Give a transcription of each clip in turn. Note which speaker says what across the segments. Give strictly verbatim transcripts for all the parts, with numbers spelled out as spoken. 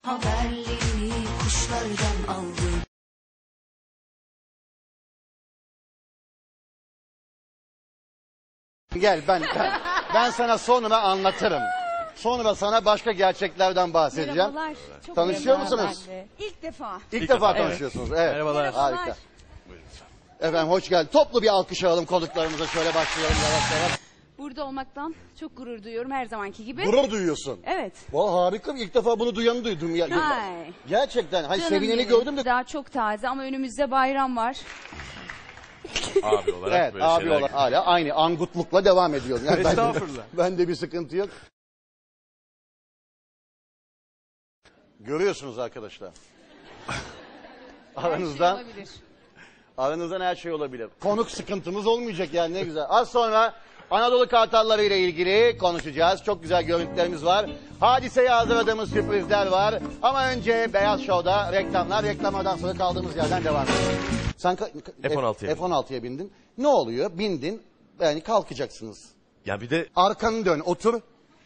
Speaker 1: Haberleri kuşlardan aldım.
Speaker 2: Gel ben, ben ben sana sonra anlatırım. Sonra sana başka gerçeklerden bahsedeceğim.
Speaker 3: Merhabalar. Çok
Speaker 2: Tanışıyor
Speaker 3: merhabalar
Speaker 2: musunuz?
Speaker 3: ben de. İlk defa.
Speaker 2: İlk,
Speaker 4: İlk
Speaker 2: defa
Speaker 4: defa,
Speaker 2: tanışıyorsunuz. Evet.
Speaker 4: Merhabalar.
Speaker 2: Harika. Efendim hoş geldin. Toplu bir alkış alalım konuklarımıza. Şöyle başlayalım yavaş yavaş.
Speaker 3: Burada olmaktan çok gurur duyuyorum her zamanki gibi.
Speaker 2: Gurur duyuyorsun.
Speaker 3: Evet.
Speaker 2: Valla harika. İlk defa bunu duyanı duydum. Ya,
Speaker 3: Ay.
Speaker 2: gerçekten. Hani
Speaker 3: Canım
Speaker 2: sevineni
Speaker 3: benim.
Speaker 2: gördüm de.
Speaker 3: Daha çok taze ama önümüzde bayram var.
Speaker 4: Abi olarak
Speaker 2: Evet
Speaker 4: böyle
Speaker 2: abi
Speaker 4: şeyler.
Speaker 2: olarak hala aynı angutlukla devam ediyorum. Yani
Speaker 4: Estağfurullah.
Speaker 2: Ben, bende bir sıkıntı yok. Görüyorsunuz arkadaşlar. Aranızdan,
Speaker 3: Her şey olabilir.
Speaker 2: aranızdan her şey olabilir. Konuk sıkıntımız olmayacak yani ne güzel. Az sonra Anadolu Kartalları ile ilgili konuşacağız. Çok güzel görüntülerimiz var. Hadiseye hazırladığımız sürprizler var. Ama önce Beyaz Show'da reklamlar. Reklamlardan sonra kaldığımız yerden devam edelim. Sen
Speaker 4: F on altıya
Speaker 2: F on altıya bindin. Ne oluyor? Bindin. Yani kalkacaksınız.
Speaker 4: Ya bir de
Speaker 2: Arkanı dön, otur.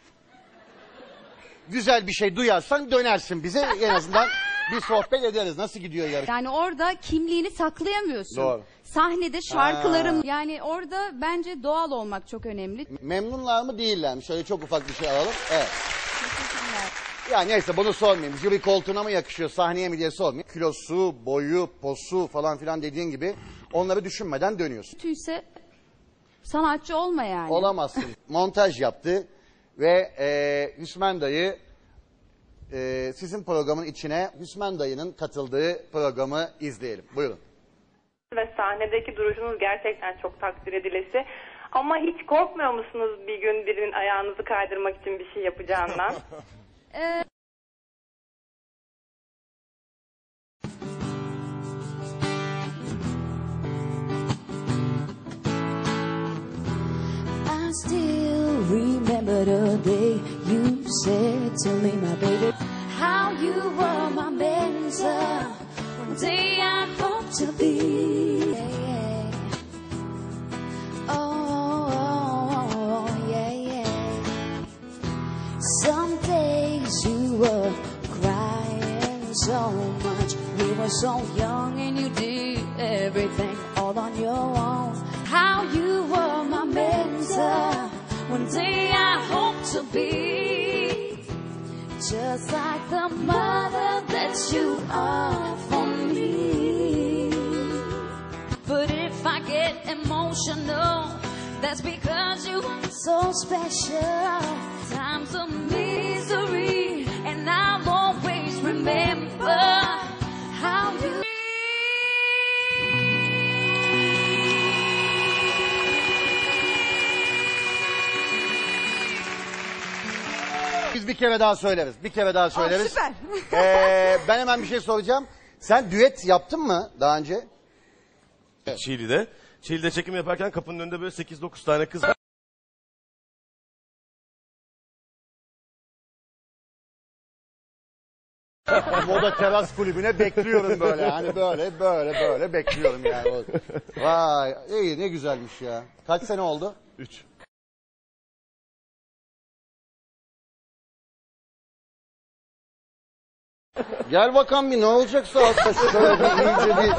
Speaker 2: Güzel bir şey duyarsan dönersin bize. En azından bir sohbet ederiz. Nasıl gidiyor yarış?
Speaker 3: Yani orada kimliğini saklayamıyorsun.
Speaker 2: Doğru.
Speaker 3: Sahnede şarkılarım yani orada bence doğal olmak çok önemli.
Speaker 2: Memnunlar mı değiller mi? Şöyle çok ufak bir şey alalım. Evet. Ya neyse bunu sormayayım. Jüri koltuğuna mı yakışıyor, sahneye mi diye sormayayım. Kilosu, boyu, posu falan filan dediğin gibi onları düşünmeden dönüyorsun.
Speaker 3: Kötüyse sanatçı olma yani.
Speaker 2: Olamazsın. Montaj yaptı ve e, Hüsmen Dayı e, sizin programın içine Hüsmen Dayı'nın katıldığı programı izleyelim. Buyurun.
Speaker 5: Ve sahnedeki duruşunuz gerçekten çok takdir edilesi. Ama hiç korkmuyor musunuz bir gün birinin ayağınızı kaydırmak için bir şey yapacağından?
Speaker 3: Ee,
Speaker 1: I still remember the day you said to me, my baby, how you were my mentor. One day I hope to be. Yeah. Oh, yeah, yeah. Some days you were crying so much. We were so young and you did everything all on your own. How you were my mentor. One day I hope to be just like the mother that you are for me. But if I get emotional, that's because you are so special. Times of misery, and I'll always remember how you.
Speaker 2: Biz bir kere daha söyleriz. Bir kere daha söyleriz.
Speaker 3: süper.
Speaker 2: Ee, ben hemen bir şey soracağım. Sen düet yaptın mı daha önce?
Speaker 4: Çiğli'de. Çiğli'de çekim yaparken kapının önünde böyle sekiz dokuz tane kız var.
Speaker 2: Moda teras kulübüne bekliyorum böyle. Hani böyle böyle böyle bekliyorum yani. Vay iyi ne güzelmiş ya. Kaç sene oldu?
Speaker 4: Üç.
Speaker 2: Gel bakalım bir ne olacaksa altta şöyle bir iyice bir...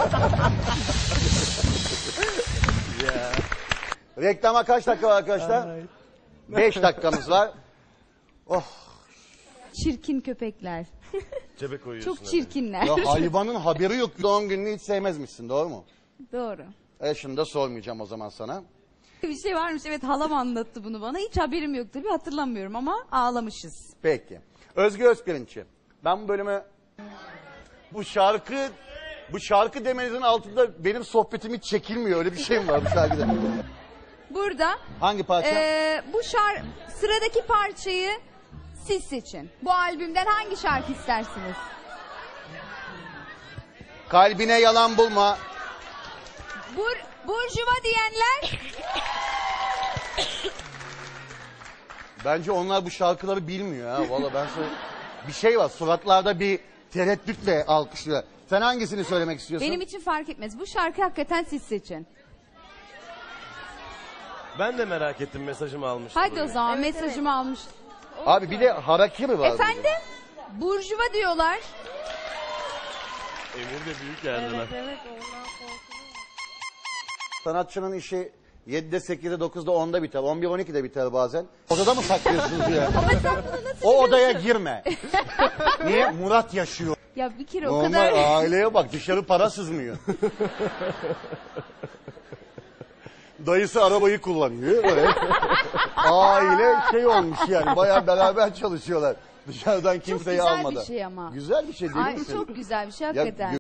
Speaker 2: Reklama kaç dakika var arkadaşlar? Beş dakikamız var. Oh.
Speaker 3: çirkin köpekler.
Speaker 4: Cebe koyuyorsun.
Speaker 3: Çok çirkinler.
Speaker 2: Ya hayvanın haberi yok. Doğum gününü hiç sevmezmişsin doğru mu?
Speaker 3: Doğru.
Speaker 2: E şunu da sormayacağım o zaman sana.
Speaker 3: Bir şey varmış, evet, halam anlattı bunu bana. Hiç haberim yok tabii, hatırlamıyorum ama ağlamışız.
Speaker 2: Peki. Özge Özpirinççi. Ben bu bölümü... Bu şarkı... Bu şarkı demenizin altında benim sohbetim hiç çekilmiyor. Öyle bir şey mi var bu şarkıda?
Speaker 3: Burada
Speaker 2: Hangi parça?
Speaker 3: eee, bu şar sıradaki parçayı siz seçin. Bu albümden hangi şarkı istersiniz?
Speaker 2: Kalbine yalan bulma.
Speaker 3: Bur Burjuva diyenler.
Speaker 2: Bence onlar bu şarkıları bilmiyor ha. Vallahi ben söyle... Bir şey var. Suratlarda bir tereddütle alkışlıyor. Sen hangisini söylemek istiyorsun?
Speaker 3: Benim için fark etmez. Bu şarkı hakikaten siz seçin.
Speaker 4: Ben de merak ettim, mesajımı almıştım.
Speaker 3: Hadi o zaman mesajımı almış.
Speaker 2: Abi bir de harakiri var.
Speaker 3: Efendim? Burjuva diyorlar.
Speaker 4: Emir de büyük geldiler.
Speaker 5: Evet, ondan korkuyorum.
Speaker 2: Sanatçının işi yedide, sekizde, dokuzda, onda biter. on bir, on ikide biter bazen. Odada mı saklıyorsunuz ya?
Speaker 3: Ama sen bunu nasıl
Speaker 2: O odaya
Speaker 3: biliyorsun?
Speaker 2: girme. Niye? Murat yaşıyor.
Speaker 3: Ya bir kere o
Speaker 2: Normal
Speaker 3: kadar...
Speaker 2: aileye bak, dışarı para sızmıyor. Dayısı arabayı kullanıyor. Böyle. Aile şey olmuş yani, bayağı beraber çalışıyorlar. Dışarıdan kimseyi
Speaker 3: güzel bir
Speaker 2: almadan.
Speaker 3: şey ama.
Speaker 2: Güzel bir şey değil
Speaker 3: Ay,
Speaker 2: mi?
Speaker 3: çok güzel bir şey
Speaker 2: Ya,
Speaker 3: hakikaten.